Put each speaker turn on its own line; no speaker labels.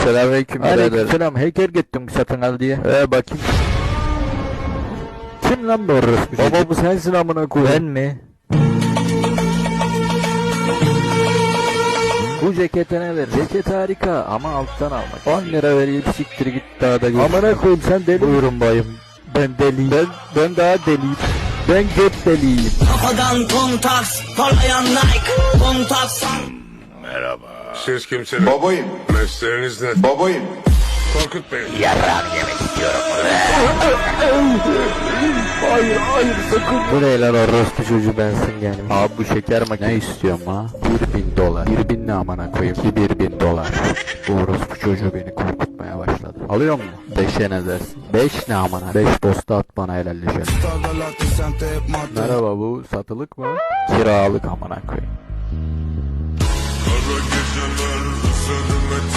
Selamünaleyküm birader.
Aleykümselam. Hacker gittim satın al diye.
Bakayım.
Kim lan bu orospu?
Baba bu sensin amına koyayım.
Ben mi? Bu ceketine ver. Ceket harika ama alttan almak. 10 lira ver siktir git daha da git.
Amına koyayım sen deli.
Buyurun bayım. Ben deliyim.
Ben daha deliyim.
Ben göt deliyim.
Kafadan kontaks, parlayan Nike, kontaks.
Merhaba. Siz kimsiniz?
Babayım.
Mesleğiniz ne?
Babayım.
Korkut Bey.
Hayır sakın. Bu ne lan orospu çocuğu bensin yani. Abi bu şeker makine. Ne istiyorum ha? 1000 dolar. 1000 ne amına koyayım ki 1000 dolar. Bu orospu çocuğu beni korkutmaya başladı. Alıyor mu? 5'e ne dersin? 5 ne amına? 5 posta at bana helalleşelim. Merhaba bu satılık mı? Kiralık amına koyayım.
Kara geceler üzerime